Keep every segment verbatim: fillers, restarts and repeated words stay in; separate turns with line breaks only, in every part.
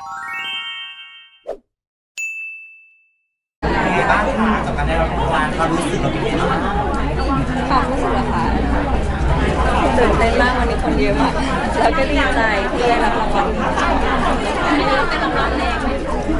ไงบ้างคะกับการได้รับรางวัลความรู้สึกเราเป็นยังไงบ้าง
ความรู้สึกเหรอคะตื่นเต้นมากวันนี้คนเยอะมากแล้วก็ดีใจที่ได้รับรางวัลอันนี้เป็นรางวัลแรกไหม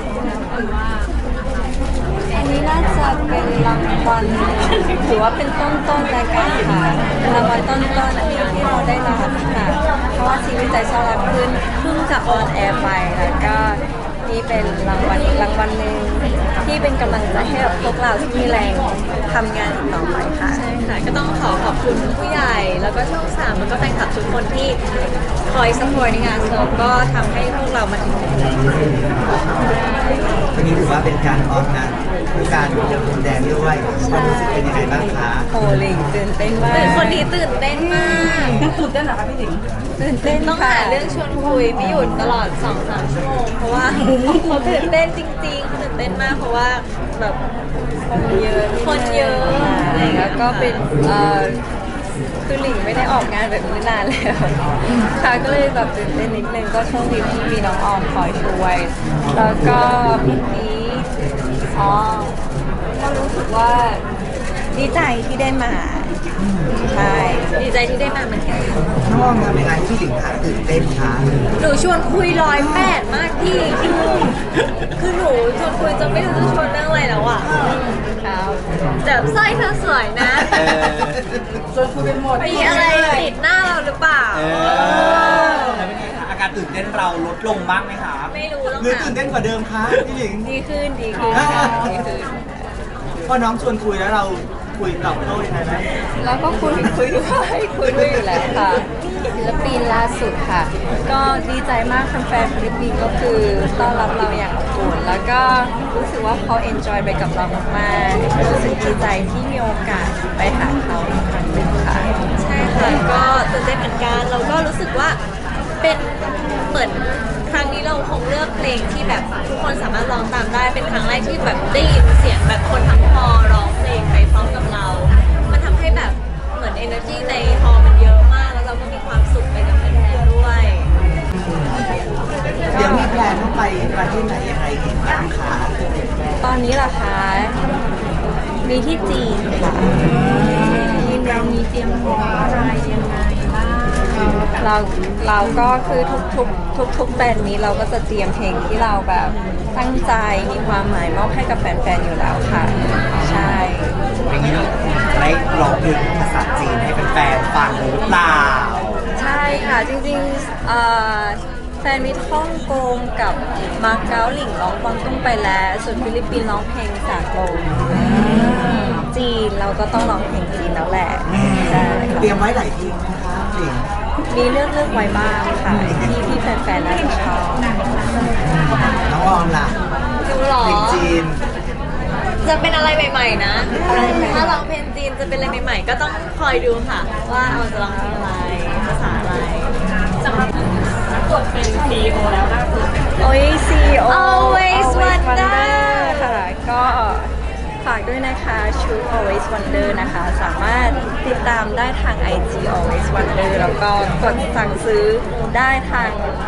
อันนี้น่าจะเป็นรางวัลถือว่าเป็นต้นต้นรายการค่ะเป็นรางวัลต้นต้นที่ที่เราได้รับค่ะเพราะว่าชีวิตใจชอบรับขึ้นเพิ่งจะออนแอร์ไปแล้วก็นี่เป็นรางวัลอีกรางวัลหนึ่งที่เป็นกำลังใจให้กับพวกเราที่มีแรงทำงานต่อไปค่ะใช่ค่ะก็ต้องขอขอบคุณผู้ใหญ่แล้วก็ช่องสามแล้วก็แฟนคลับทุกคนที่คอยสปอร์ตในงานแล้วก็ทำให้พวกเรามาถึงจุดนี้
วันนี้ถือว่าเป็นการออกงานคือการเดินพรมแดงด้วยความรู้สึกเป็นยังไงบ้างคะ
โอ้ลิงตื่นเต้นมากคนนี้ตื่นเต้นมาก
ตื่นเต้นเหรอคะพี่หญิง
ตื่นเต้นต้องหาเรื่องชวนคุยไม่หยุดตลอด สองถึงสาม ชั่วโมงเพราะว่าเขาตื่นเต้นจริงๆตื่นเต้นมากเพราะว่าแบบคนเยอะคนเยอะอะไรแล้วก็เป็นเอ่อคือหลิงไม่ได้ออกงานแบบนี้นานแล้วค่ะก็เลยแบบตื่นเต้นนิดนึงก็โชคดีที่มีน้องออมคอยช่วยแล้วก็เมื่อกี้อ๋อก็รู้สึกว่าดีใจที่ได้มาใช่ดีใจที่ได้มาเหมือนกัน
น้องออมทำยังไงที่ถึงขาตื่นเต้นคะ
หนูชวนคุยร้อยแปดมากพี่คือหนูชวนคุยจะไม่รู้จะชวนเรื่องอะไรแล้วอ่ะครับแต่สร้อยเธอสวยนะ
ชวนคุยเป็นหมด
มีอะไรติดหน้าเราหรือเปล่า
แล้วเป็นไงคะอาการตื่นเต้นเราลดลงบ้างไหมคะ
ไม่รู้แล้ว
หรือตื่นเต้นกว่าเดิมคะพี่หญิง
ดีขึ้นดีขึ้นดีขึ้น
พอน้องชวนคุยแล้วเราคุยตอบโต้ยังไงไหม
แล้วก็คุยคุยด้วยคุยด้วยอยู่แล้วค่ะศิลปินล่าสุดค่ะก็ดีใจมากแฟนๆฟิลิปปินส์ก็คือต้อนรับเราอย่างอบอุ่นแล้วก็รู้สึกว่าเขาเอนจอยไปกับเรามากๆรู้สึกดีใจที่มีโอกาสไปหาเขาอีกครั้งหนึ่งค่ะใช่ค่ะก็ตื่นเต้นเหมือนกันเราก็รู้สึกว่าเป็นเหมือนครั้งนี้เราคงเลือกเพลงที่แบบทุกคนสามารถร้องตามได้เป็นครั้งแรกที่แบบได้ยินเสียงแบบคนทั้งฮอลร้องเพลงไปพร้อมกับเรา มันทำให้แบบเหมือน energy ในฮอลมันเยอะมากแล้วเราก็มีความสุขไปกับแฟนๆด้วย
เดี๋ยวมีแพลนต้องไปประเทศไหนยังไงบ้างคะ
ตอนนี้ล่ะคะมีที่จีนค่ะทีมเรามีเตรียมพร้อมอะไรยังไงบ้างเราเราก็คือทุกทุกทุกทุกแบรนด์นี้เราก็จะเตรียมเพลงที่เราแบบตั้งใจมีความหมายมอบให้กับแฟนๆอยู่แล้วค่ะใช่
อย่างนี้เราได้ร้องเพลงภาษาจีนให้แฟนๆฟังหรือเปล่า
ใช่ค่ะจริงๆแฟนมิตรฮ่องกงกับมาเก๊าหลิงร้องกวางตุ้งไปแล้วส่วนฟิลิปปินส์ร้องเพลงสากลจีนเราก็ต้องร้องเพลงจีนแล้วแหละใช่
เตรียมไว้หลายทีนะคะจริง
มีเลือกเลือกไว้บ้างค่ะที่ที่แฟนๆน่าจะชอบ
น้องออมล่ะ
ดูหรอ
เพลงจีน
จะเป็นอะไรใหม่ๆนะถ้าร้องเพลงจีนจะเป็นอะไรใหม่ๆก็ต้องคอยดูค่ะว่าเอาจะร้องเพลงอะไรภาษาอะไรสำหรับกดเป็น ซี อี โอ แล้วล่าสุดโอ้ย ซี อี โอ Always Wonder ค่ะก็ฝากด้วยนะคะชุด Always Wonder นะคะสามารถติดตามได้ทาง ไอ จี Always Wonder แล้วก็กดสั่งซื้อได้ทาง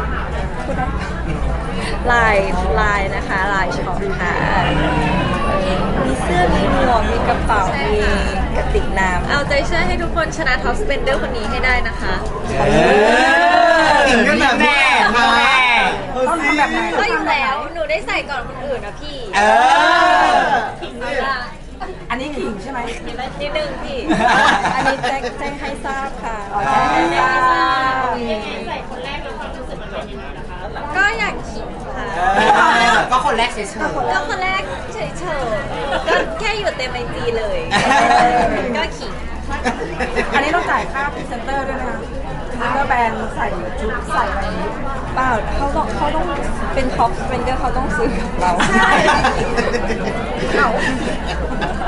ไลน์ไลน์นะคะไลน์ช็อปค่ะมีเสื้อมีหมวกมีกระเป๋ามีกระติกน้ำเอาใจช่วยให้ทุกคนชนะท็อปสเปนเดอร์คนนี้ให้ได้นะคะ
ถึงกันแบบแม่มา
ต้องทำแบบไหน
ก็อยู่แล้วหนูได้ใส่ก่อนคนอื่นนะพี่
เออ
อันนี้ขิงใช่ไหม
นิดนึงพี่อันนี้แจ้งแจ้งให้ทราบค่ะแจ้งให้ทราบใส่คนแรกแล้วความรู้สึกมันเป็นยังไงนะคะก็อยากขิงค่ะ
ก็คนแรกเฉย
ๆก็คนแรกเฉยๆก็แค่อยู่เต็มไอจีเลยก็ขิง
อันนี้ต้องจ่ายค่าพรีเซนเตอร์ด้วยนะคะพรีเซนเตอร์แบรนด์ใส่ชุดใส่อะไรนี้
เปล่าเขาต้องเขาต้องเป็นท็อปสเปนเดอร์เขาต้องซื้อกับเราใช่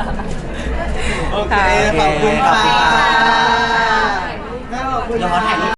โอเคขอบคุณค่ะขอบคุณ